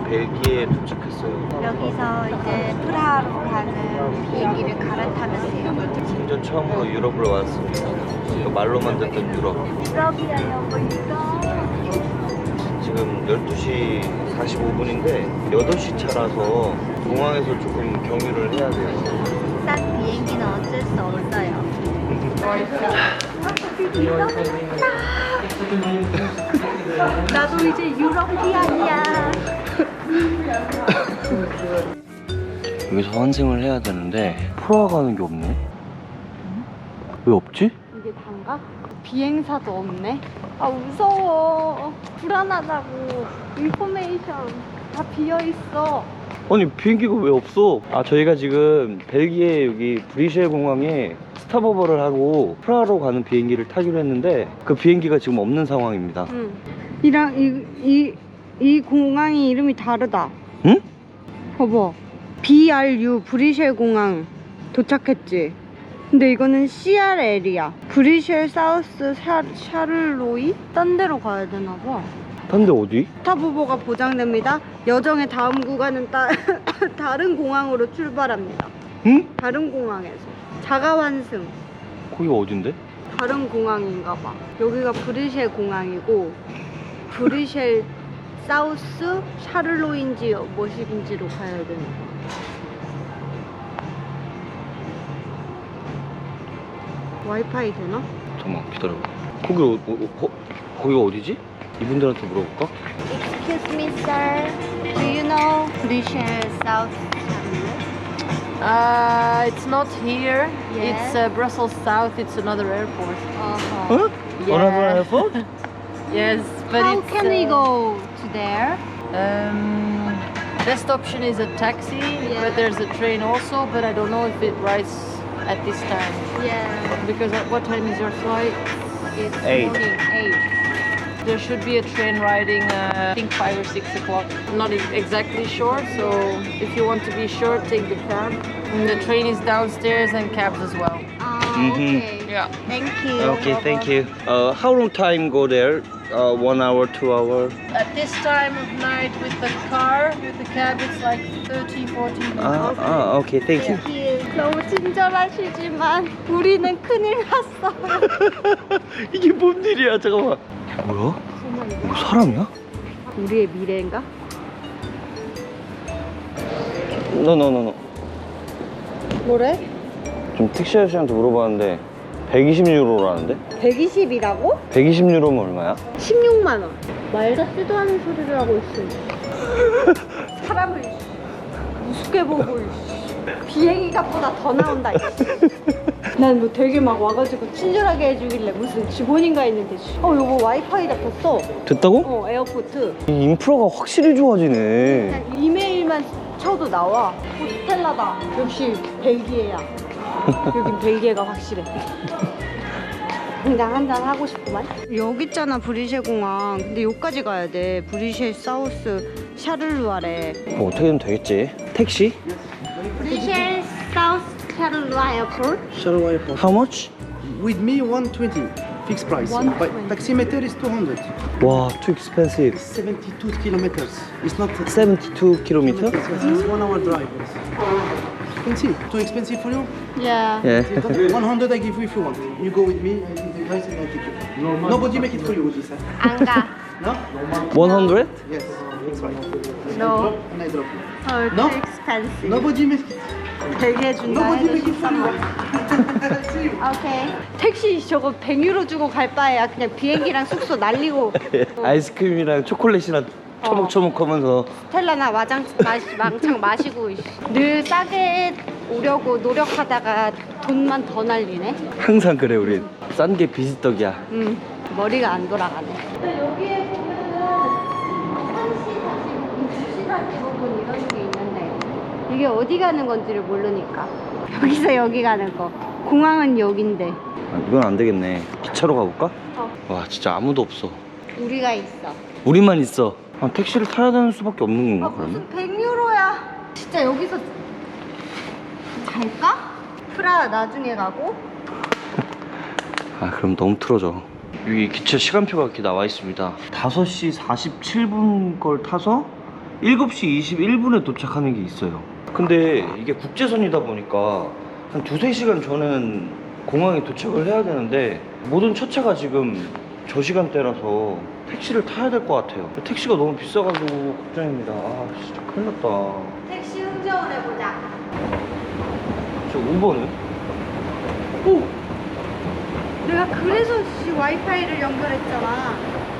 벨기에에 도착했어요. 여기서 이제 프라하로 가는 비행기를 갈아타면 돼요. 생전 처음으로 유럽을 왔습니다. 이거 말로만 듣던 유럽. 유럽이에요, 뭐 유럽. 지금 12시 45분인데 8시 차라서 공항에서 조금 경유를 해야 돼요. 싼 비행기는 어쩔 수 없어요. 나도 이제 유럽이야. 여기서 환승을 해야 되는데 프라하 가는 게 없네. 왜 없지? 이게 단가? 비행사도 없네. 아 무서워. 불안하다고. 인포메이션 다 비어 있어. 아니 비행기가 왜 없어? 아 저희가 지금 벨기에 여기 브뤼셀 공항에 스탑오버를 하고 프라하로 가는 비행기를 타기로 했는데 그 비행기가 지금 없는 상황입니다. 응. 이 공항이 이름이 다르다. 응? 봐봐. BRU 브뤼셀 공항 도착했지. 근데 이거는 CRL이야. 브뤼셀 사우스 샤를로이? 딴 데로 가야 되나 봐. 딴 데 어디? 스탑오버가 보장됩니다. 여정의 다음 구간은 다른 공항으로 출발합니다. 응? 다른 공항에서 자가환승. 거기가 어딘데? 다른 공항인가 봐. 여기가 브뤼셀 공항이고 브뤼셀 사우스 샤를로인지 뭐시인지로 가야 되는 거야. 와이파이 되나? 잠깐만 기다려봐. 거기가 어디지? 이분들한테 물어볼까? Excuse me, sir. Do you know 브뤼셀 사우스 샤를로이? It's not here. Yeah. It's Brussels South. It's another airport. 어? Yeah. Another airport? Yes, but How it's, can we go to there? Best option is a taxi, but there's a train also. But I don't know if it rides at this time. Yeah. Because at what time is your flight? It's 8. morning 8. There should be a train riding, I think 5 or 6 o'clock. Not exactly sure, so if you want to be sure, take the cab. And the train is downstairs and cabs as well. Okay. Yeah. Thank you. Okay, thank you. How long time go there? 1 hour, 2 hour? At this time of night with the car, with the cab, it's like 30, 40 minutes. Okay, thank you. Thank you. 너무 친절하시지만 우리는 큰일 났어요. 이게 뭔 일이야? 잠깐만. 뭐야? 이거 사람이야? 우리의 미래인가? No. 뭐래? 좀 택시 아저씨한테 물어봤는데 120유로라는데? 120이라고? 120유로면 얼마야? 16만 원. 말 같지도 않은 소리를 하고 있어. 사람을 우습게 보고 비행기 값보다 더 나온다. 난 뭐 되게 막 와가지고 친절하게 해주길래 무슨 직원인가 했는데 여보 와이파이 잡혔어. 됐다고? 에어포트. 이 인프라가 확실히 좋아지네. 그냥 이메일만 쳐도 나와. 스텔라다. 역시 벨기에야. 여긴 벨기에가 확실해. 당장 한잔 하고 싶구만. 여기 있잖아 브뤼셀 공항. 근데 여기까지 가야 돼. 브뤼셀 사우스 샤를루아래. 뭐 어떻게든 되겠지. 택시? 브뤼셀 사우스 샤를루아 에어포트. How much? With me 120 fixed price. 120. But taximeter is 200. 와, too expensive. 72 kilometers. It's not 72 kilometer? It's 1 hour drive. Expensive. Too expensive for you? Yeah. 예. 100 I give you if you want. You go with me. I give the price and I take you. Nobody make it for you with this. Huh? 안 가. No? 100? Yes. Fixed price. No. And I drop you. Too No? expensive. Nobody make it. 되게 준다. Nobody make it for you. See you. 오케이. 택시 저거 100유로 주고 갈 바에야 그냥 비행기랑 숙소 날리고 아이스크림이랑 초콜릿이랑 초목초목하면서 스텔라나 망창 마시고 늘 싸게 오려고 노력하다가 돈만 더 날리네. 항상 그래 우린. 싼 게 비지떡이야. 머리가 안 돌아가네. 여기에 보면은 1시 45분, 2시 45분 이런 게 있는데 이게 어디 가는 건지를 모르니까 여기서 여기 가는 거. 공항은 여긴데. 이건 안 되겠네. 기차로 가볼까? 어. 와 진짜 아무도 없어. 우리가 있어. 우리만 있어. 택시를 타야 되는 수밖에 없는 건가 그러면? 무슨 100유로야. 진짜 여기서 갈까? 프라 나중에 가고. 그럼 너무 틀어져. 여기 기차 시간표가 이렇게 나와 있습니다. 5시 47분 걸 타서 7시 21분에 도착하는 게 있어요. 근데 이게 국제선이다 보니까 한 2-3시간 전엔 공항에 도착을 해야 되는데 모든 첫차가 지금 저 시간대라서 택시를 타야 될 것 같아요. 택시가 너무 비싸가지고 걱정입니다. 아 진짜 큰일 났다. 택시 흥정을 해보자. 저 우버는? 오! 내가 그래서 와이파이를 연결했잖아.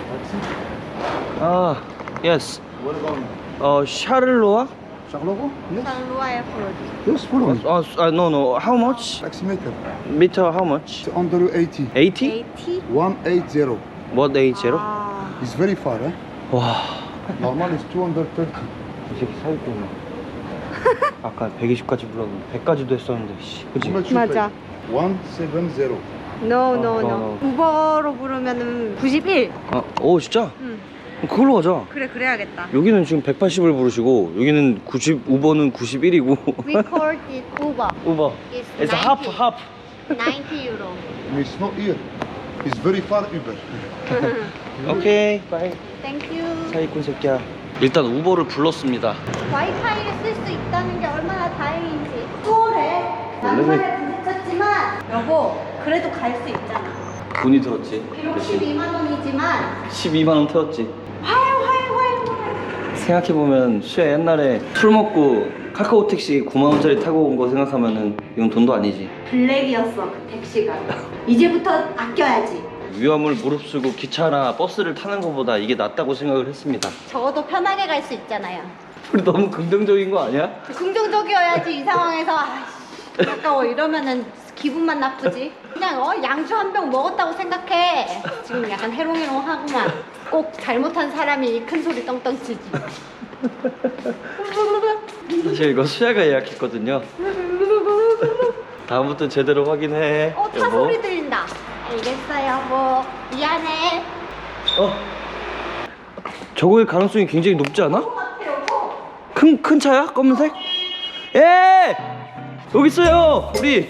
아, yes. Where going? 샤를로아? Charleroi? Yes. 루아의 프로듀. Yes, follow me. No, no. How much? Taximeter. Meter how much? It's under 80. 80? AT? 180. What 80? 아, It's very far, eh? 와, Normal is 230. 이 새끼 사기꾼이야. 아까 120까지 불렀는데 100까지도 했었는데, 씨, 그치? How much you 맞아. pay? 170. no, no, no, no. 우버로 부르면은 91. 오, 진짜? 응. 그걸로 가자. 그래, 그래야겠다. 여기는 지금 180을 부르시고, 여기는 90, 우버는 91이고. We called it Uber. 우버. It's It's a half, 90. half. 90 euro. It's not here. It's very far, Uber. 오케이, 바이. Thank you. 사기꾼 새끼야. 일단 우버를 불렀습니다. 와이파이를 쓸 수 있다는 게 얼마나 다행인지. 수월해. 낭만에 부딪혔지만 여보, 그래도 갈 수 있잖아. 돈이 들었지. 비록 12만 원이지만 12만 원 태웠지. 활활활활. 생각해보면 수야 옛날에 술 먹고 카카오 택시 9만 원짜리 타고 온 거 생각하면은 이건 돈도 아니지. 블랙이었어 그 택시가. 이제부터 아껴야지. 위험을 무릅쓰고 기차나 버스를 타는 것보다 이게 낫다고 생각을 했습니다. 적어도 편하게 갈 수 있잖아요. 우리 너무 긍정적인 거 아니야? 긍정적이어야지 이 상황에서. 아이씨, 아까워 이러면은 기분만 나쁘지. 그냥 양주 한 병 먹었다고 생각해. 지금 약간 해롱해롱하구만. 꼭 잘못한 사람이 큰 소리 떵떵 치지. 사실 이거 수야가 예약했거든요. 다음부터 제대로 확인해. 타 여보. 소리 들린다. 알겠어 여보. 미안해. 저거의 가능성이 굉장히 높지 않아? 같아 여보. 큰 차야? 검은색? 예! 여기 있어요! 우리!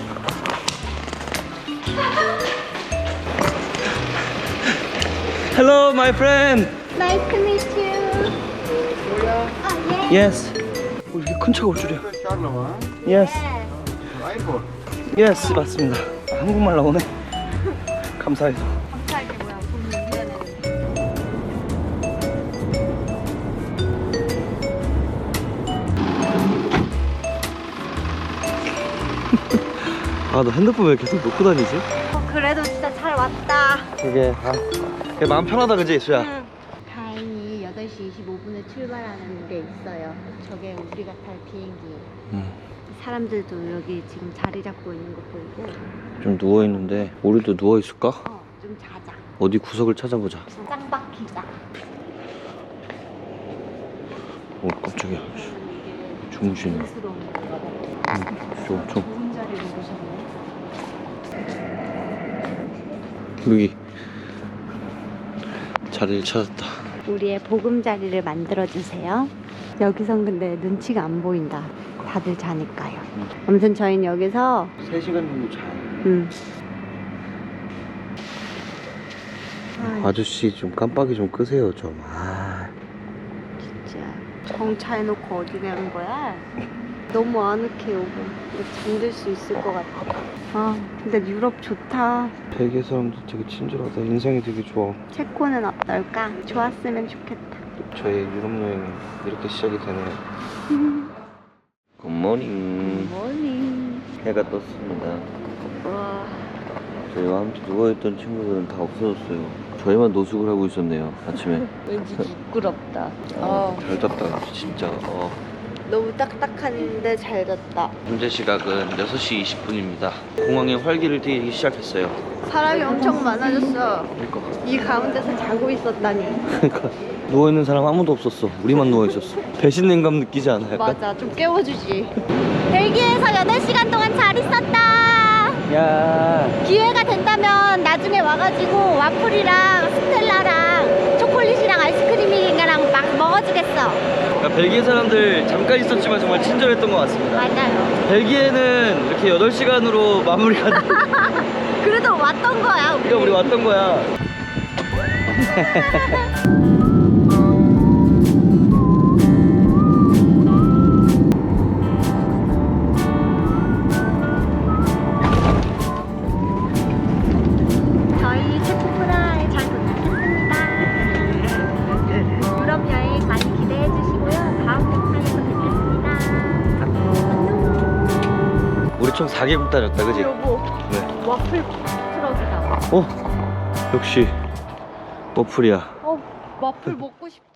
Hello, my friend! Nice to meet you. 아 예. Yes. 이렇게 큰 차가 올 줄이야. Charleroi, Yes. airport. Yes, 맞습니다. 한국말 나오네. 감사해서. 감사하게 뭐야. 돈 내는. 아, 너 핸드폰 왜 계속 놓고 다니지? 그래도 진짜 잘 왔다. 그게, 그게 마음 편하다, 그지, 수야? 응. 다행히 8시 25분에 출발하는 게 있어요. 저게 우리가 탈 비행기예요. 사람들도 여기 지금 자리 잡고 있는 거 보이고. 좀 누워있는데, 우리도 누워있을까? 좀 자자. 어디 구석을 찾아보자. 짱 박히자. 오, 깜짝이야. 이게 주무시네. 스러운 건가 봐. 좀. 좋은 자리로 보셨네. 여기. 자리를 찾았다. 우리의 보금자리를 만들어주세요. 여기선 근데 눈치가 안 보인다. 다들 자니까요. 아무튼 저희는 여기서 3시간 정도 자요. 아저씨 좀 깜빡이 좀 끄세요, 좀. 진짜 정차해놓고 어디 가는 거야? 너무 아늑해 여보. 잠들 수 있을 것 같아. 근데 유럽 좋다. 벨기에 사람들 되게 친절하다. 인상이 되게 좋아. 체코는 어떨까? 좋았으면 좋겠다. 저의 유럽 여행이 이렇게 시작이 되네요. 굿모닝. 머니. 해가 떴습니다. 와. 저희와 함께 누워있던 친구들은 다 없어졌어요. 저희만 노숙을 하고 있었네요, 아침에. 왠지 부끄럽다. 잘 잤다, 진짜. 너무 딱딱한데 잘 잤다. 현재 시각은 6시 20분입니다. 공항에 활기를 띠기 시작했어요. 사람이 엄청 많아졌어. 그러니까. 이 가운데서 자고 있었다니. 그러니까 누워있는 사람 아무도 없었어. 우리만 누워있었어. 배신감 느끼지 않아, 약간? 맞아, 좀 깨워주지. 벨기에에서 8시간 동안 잘 있었다. 야. 기회가 된다면 나중에 와가지고 와플이랑 스텔라랑 초콜릿이랑 아이스크림이랑 막 먹어주겠어. 그러니까 벨기에 사람들 잠깐 있었지만 정말 친절했던 것 같습니다. 맞아요. 벨기에는 이렇게 8시간으로 마무리가 돼. 그래도 왔던 거야. 그러니까 우리 왔던 거야. 총 4개국 다녔다, 그지? 여보, 네. 와플 트럭이다. 역시 워플이야. 와플 먹고 싶다.